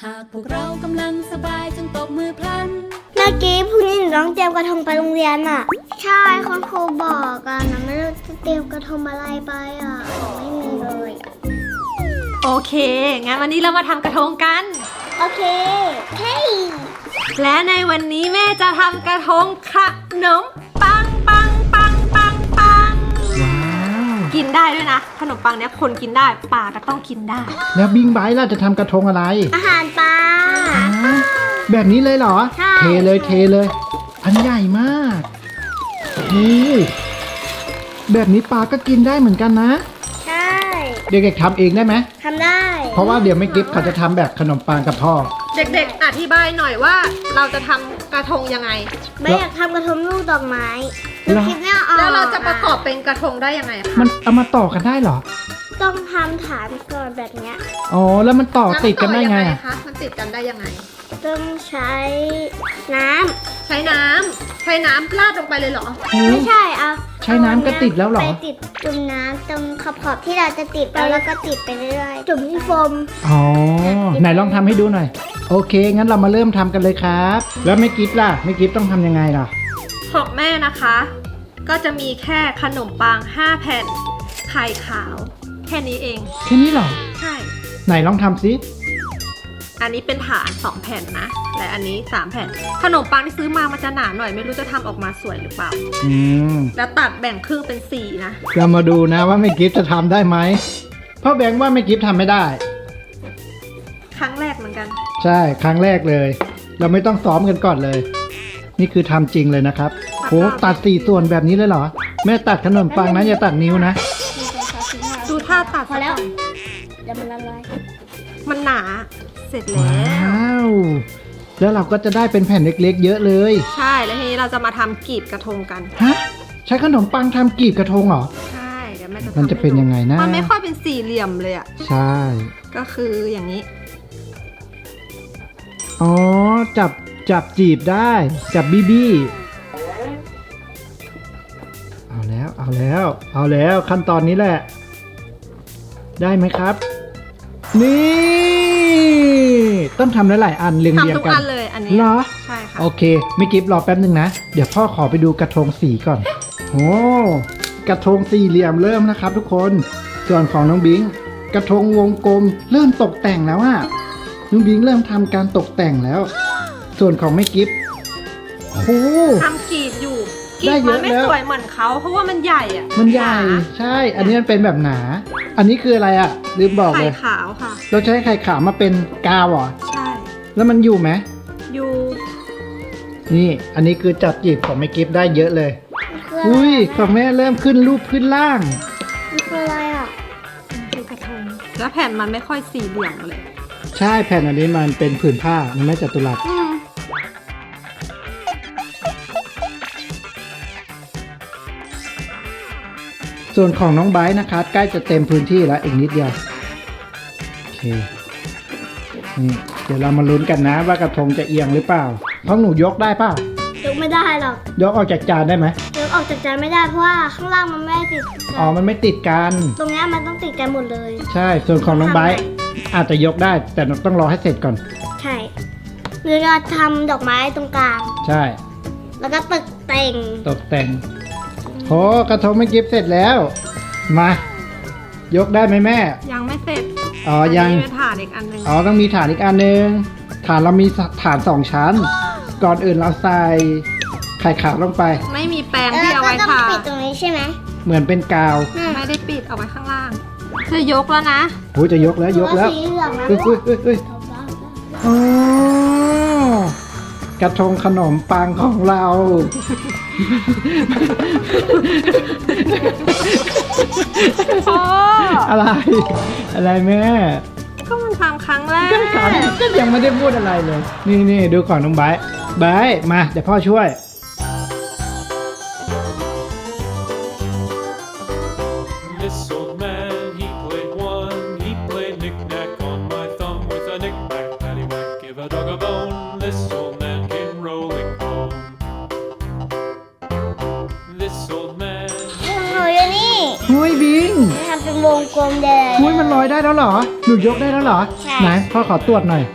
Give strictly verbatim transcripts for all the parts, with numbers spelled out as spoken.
ากพวกเรากำลังสบายจงตบมือพลันเมื่อกี้พรุ่งนี้หนูต้องเตรียมกระทงไปโรงเรียนอ่ะใช่คุณครูบอกอ่ะหนูไม่รู้จะเตรียมกระทงอะไรไปอ่ะไม่มีเลยโอเคงั้นวันนี้เรามาทำกระทงกันโอเคเฮ้ยและในวันนี้แม่จะทำกระทงขนมปังปังปังปังปังว้าวกินได้ด้วยนะขนมปังเนี้ยคนกินได้ปลาก็ต้องกินได้แล้วบิงไบท์ล่ะจะทำกระทงอะไรอาหารปลาแบบนี้เลยเหรอเทเลยเทเลยอันใหญ่มากโอ้แบบนี้ปลาก็กินได้เหมือนกันนะใช่เด็กๆทำเองได้ไหมทำได้เพราะว่าเดี๋ยวไม่กิฟเขาจะทำแบบขนมปังกับพ่อเด็กๆอธิบายหน่อยว่าเราจะทำกระทงยังไงไม่อยากทำกระทงลูกดอกไม้คิดไม่ออกแล้วเราจะประกอบเป็นกระทงได้ยังไงคะมันเอามาต่อกันได้เหรอต้องทำฐานก่อนแบบเนี้ยอ๋อแล้วมันต่อติดกันได้ไงคะมันติดกันได้ยังไงต้องใช้น้ำใช้น้ำใช้น้ำราดลงไปเลยเหรอไม่ใช่เอาใช้น้ำก็ติดแล้วเหรอไปติดจุ่มน้ำตรงขอบๆที่เราจะติดแล้วแล้วก็ติดไปเรื่อยๆจุ่มที่โฟมอ๋อไหนลองทำให้ดูหน่อยโอเคงั้นเรามาเริ่มทำกันเลยครับแล้วไม่กิฟล่ะไม่กิฟต้องทำยังไงล่ะของแม่นะคะก็จะมีแค่ขนมปังห้าแผ่นไข่ขาวแค่นี้เองแค่นี้เหรอใช่ไหนลองทำซิอันนี้เป็นฐานสองแผ่นนะและอันนี้สามแผ่นขนมปังที่ซื้อมามันจะหนาหน่อยไม่รู้จะทำออกมาสวยหรือเปล่าอืมแล้วตัดแบ่งครึ่งเป็นสี่นะเรามาดูนะว่าไม่กิฟจะทำได้ไหมเพราะแบงค์ว่าไม่กิฟทำไม่ได้ครั้งแรกเหมือนกันใช่ครั้งแรกเลยเราไม่ต้องซ้อมกันก่อนเลยนี่คือทำจริงเลยนะครับโหตัดสี่ส่วนแบบนี้เลยเหรอแม่ตัดขนมปังนะอย่าตัดนิ้วนะดูท่าตัดพอแล้วเดี๋ยวมันละลายมันหนาเสร็จแล้วว้าวแล้วเราก็จะได้เป็นแผ่นเล็กๆเยอะเลยใช่แล้วทีนี้เราจะมาทำกีบกระทงกันฮะใช้ขนมปังทำกีบกระทงเหรอใช่เดี๋ยวแม่จะมันจะเป็นยังไงนะมันไม่ค่อยเป็นสี่เหลี่ยมเลยอ่ะใช่ก็คืออย่างนี้อ๋อจับจับจีบได้จับบี้บี้เอาแล้วเอาแล้วเอาแล้วขั้นตอนนี้แหละได้ไหมครับนี่ต้องทำหลายๆอันเรียงๆกันทำทุกอันเลยอันนี้เหรอใช่ค่ะโอเคไม่กิฟรอแป๊บนึงนะเดี๋ยวพ่อขอไปดูกระทงสีก่อนโอ้กระทงสี่เหลี่ยมเริ่มนะครับทุกคนส่วนของน้องบิงกระทงวงกลมเริ่มตกแต่งแล้วอะน้องบิงเริ่มทำการตกแต่งแล้วส่วนของไม่กิฟโอ้ทำกีบอยู่กีบมันไม่สวยเหมือนเขาเพราะว่ามันใหญ่อ่ะมันใหญ่ใช่อันนี้มันเป็นแบบหนาอันนี้คืออะไรอ่ะลืมบอกเลยไข่ขาวค่ะเราใช้ไข่ขาวมาเป็นกาวเหรอใช่แล้วมันอยู่ไหมอยู่นี่อันนี้คือจับจีบของไม่กิฟได้เยอะเลยอุ้ยของแม่เริ่มขึ้นรูปขึ้นล่างมันคืออะไรอ่ะคือกระทงแล้วแผ่นมันไม่ค่อยสี่เหลี่ยมเลยใช่แผ่นอันนี้มันเป็นผืนผ้ามันไม่จัตุรัสส่วนของน้องไบร์ทนะคะใกล้จะเต็มพื้นที่แล้วอีกนิดเดียวโอเคนี่เดี๋ยวเรามาลุ้นกันนะว่ากระทงจะเอียงหรือเปล่าเพราะหนูยกได้เปล่ายกไม่ได้หรอกยกออกจากจานได้ไหมยกออกจากจานไม่ได้เพราะว่าข้างล่างมันไม่ติดอ๋อมันไม่ติดกันตรงนี้มันต้องติดกันหมดเลยใช่ส่วนของน้องไบร์ทอาจจะยกได้แต่ต้องรอให้เสร็จก่อนใช่หรือเราทำดอกไม้ตรงกลางใช่แล้วก็ตกแต่งตกแต่งโหกระทงไม่กิฟเสร็จแล้วมายกได้ไหมแม่ยังไม่เสร็จอ๋อยังมีฐานอีกอันนึงอ๋อต้องมีฐานอีกอันนึงฐานเรามีฐานสองชั้นก่อนอื่นเราใส่ไข่ขาวลงไปไม่มีแปรงที่เอาไว้ทาปิดตรงนี้ใช่ไหมเหมือนเป็นกาวไม่ได้ปิดเอาไว้ข้างล่างจะยกแล้วนะโอ้จะยกแล้วยกแล้วเฮ้ยเฮ้ยเฮ้ยโอ้กระทงขนมปังของเราพ่ออะไรอะไรแม่ก็มันทำครั้งแรกก็ยังไม่ได้พูดอะไรเลยนี่นี่ดูของน้องไบร์ทไบร์ทมาเดี๋ยวพ่อช่วยเฮ้ยบิงทำเป็นวงกลมแดงเฮ้ยมันลอยได้แล้วเหรอหนูยกได้แล้วเหรอไหนพ่อขอตรวจหน่อย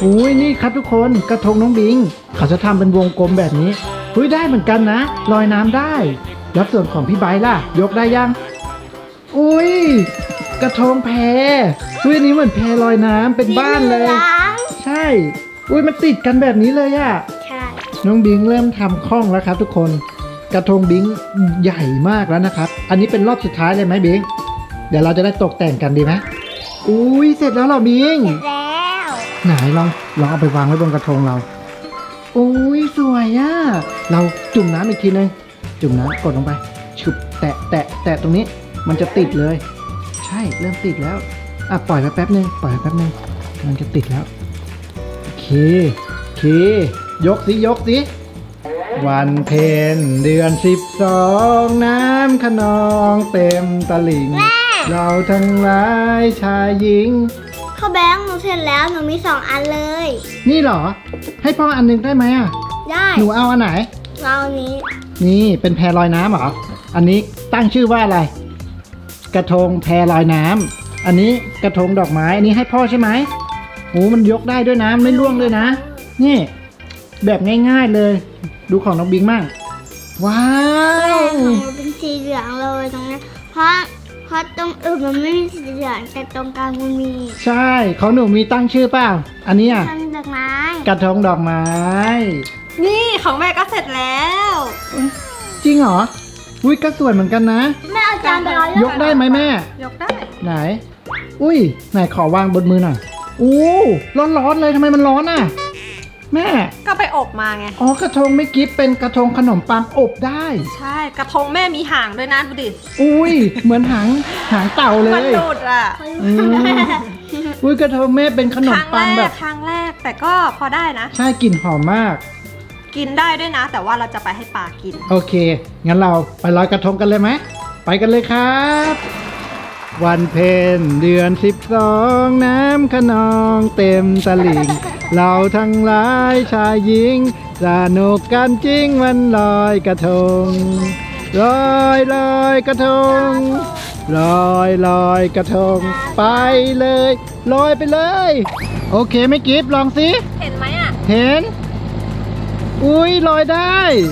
อุ้ยนี่ครับทุกคนกระทงน้องบิงเขาจะทำเป็นวงกลมแบบนี้อุ้ยได้เหมือนกันนะลอยน้ำได้แล้วส่วนของพี่ไบร์ทล่ะยกได้ยังอุ้ยกระทงแพอุ้ยอันนี้เหมือนแพลอยน้ำเป็นบ้านเลย ใช่อุ้ยมันติดกันแบบนี้เลยอะใช่น้องบิงเริ่มทำคล่องแล้วครับทุกคนกระทงบิงใหญ่มากแล้วนะครับอันนี้เป็นรอบสุดท้ายเลยไหมบิงเดี๋ยวเราจะได้ตกแต่งกันดีไหมอุ้ยเสร็จแล้วเหรอบิงแล้วไหนลองลองเอาไปวางไว้บนกระทงเราอุ้ยสวยอะเราจุ่มน้ำอีกทีนึงจุ่มน้ำกดลงไปฉุบแตะแตะแตะตรงนี้มันจะติดเลย ใช่เริ่มติดแล้วอ่ะปล่อยไปแป๊บนึงปล่อยไปแป๊บนึงมันจะติดแล้วโอเคโอเคยกสิยกสิวันเพ็ญเดือนสิบสองน้ำขนองเต็มตลิ่งเราทั้งหลายชายหญิงข้าวแบงค์หนูเสร็จแล้วหนูมีสองอันเลยนี่เหรอให้พ่ออันหนึงได้ไหมอ่ะได้หนูเอาอันไหนเรานี้นี่เป็นแพลอยน้ำเหรออันนี้ตั้งชื่อว่าอะไร กระทงแพลอยน้ำอันนี้กระทงดอกไม้อันนี้ให้พ่อใช่ไหมโอ้มันยกได้ด้วยนะไม่ร่วงเลยนะนี่แบบง่ายๆเลย ดูของน้องบิงมั่งว้าแม่วของหนูเป็นสีเหลืองเลยตรงนี้เพราะเพราะตรงอื่นมันไม่มีสีเหลืองแต่ตรงกลางมันมีใช่ของหนูมีตั้งชื่อเปล่าอันนี้อ่ะทำดอกไม้กระทงดอกไม้นี่ของแม่ก็เสร็จแล้วจริงเหรออุ้ยก็สวยเหมือนกันนะแม่เอาจานไปเอายกได้ไหมแม่ยกได้ไหน อุ้ย ไหนขอวางบนมือหน่อยอู้ร้อนๆเลยทำไมมันร้อนอ่ะ แม่ก็ไปอบมาไงอ๋อกระทงไม่กิฟเป็นกระทงขนมปังอบได้ใช่กระทงแม่มีหางด้วยนะดูดิอุ้ย เหมือนหางหางเต่าเลมันยดูดอ่ะอืมอุ้ยกระทงแม่เป็นขนคมรั้งปัแรงแบกบครั้งแรกแต่ก็พอได้นะใช่กลิ่นหอมมากกินได้ด้วยนะ แต่ว่าเราจะไปให้ปลากินโอเค งั้นเราไปลอยกระทงกันเลยไหม ไปกันเลยครับ วันเพ็ญเดือนสิบสองน้ำขนองเต็มตลิ่ง เราทั้งหลายชายหญิงสนุกกันจริงวันลอยกระทงลอยลอยกระทงลอยลอยกระทง ไปเลยลอยไปเลย โอเคไหม่กิฟลองสิเห็นไหมอ่ะเห็น อุ้ยลอยได้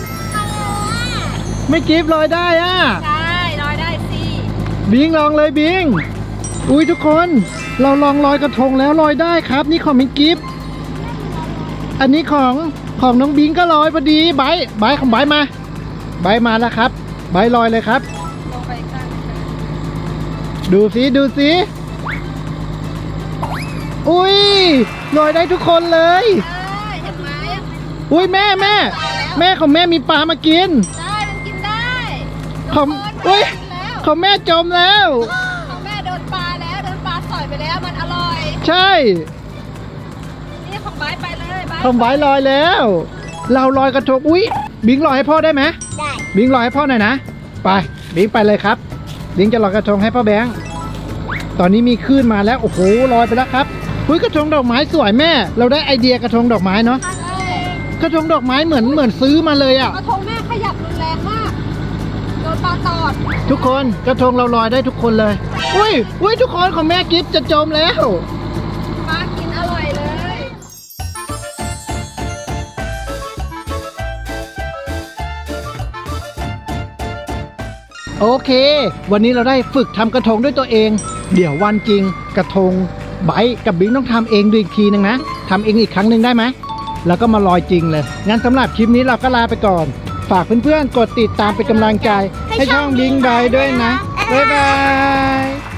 ไม่กิฟลอยได้อ่ะได้ลอยได้สิบิงลองเลยบิง อุ้ยทุกคน เราลองลอยกระทงแล้วลอยได้ครับ นี่ของมิงกิฟอันนี้ของของน้องบิงก็ลอยพอดีไบร์ทไบร์ทของไบร์ทมาไบร์ทมาแล้วครับไบร์ทลอยเลยครับลงไปกันดูสิดูสิอุ้ยลอยได้ทุกคนเลยได้เห็นไหมอุ้ยแม่แม่ แม่ของแม่มีปลามากินได้มันกินได้ของอุ้ยแล้วของแม่จมแล้วของแม่โดนปลาแล้วโดนปลาสอยไปแล้วมันอร่อยใช่นี่ของไบร์ทไปเลยไบร์ททำไว้ลอยแล้ว เราลอยกระทงอุ้ยบิงลอยให้พ่อได้ไหมได้บิงลอยให้พ่อหน่อยนะไปบิงไปเลยครับบิงจะลอยกระทงให้พ่อแบงค์ตอนนี้มีคลื่นมาแล้วโอ้โหลอยไปแล้วครับอุ้ยกระทงดอกไม้สวยแม่ เราได้ไอเดียกระทงดอกไม้เนาะกระทงดอกไม้เหมือนเหมือนซื้อมาเลยอ่ะกระทงแม่ขยับรุนแรงมากโดนปลาตอดทุกคนกระทงเราลอยได้ทุกคนเลยอุ้ยอุ้ยทุกคนของแม่กิฟจะจมแล้วปลากินอร่อยเลยโอเค วันนี้เราได้ฝึกทำกระทงด้วยตัวเอง เดี๋ยววันจริงกระทงไบร์ทกับบิงต้องทำเองดูอีกทีนึงนะทำเองอีกครั้งหนึ่งได้ไหมแล้วก็มาลอยจริงเลย งั้นสำหรับคลิปนี้เราก็ลาไปก่อน ฝากเพื่อนๆ กดติดตามเป็นกำลังใจ ให้ช่องบิงไบร์ทด้วยนะ บ๊ายบาย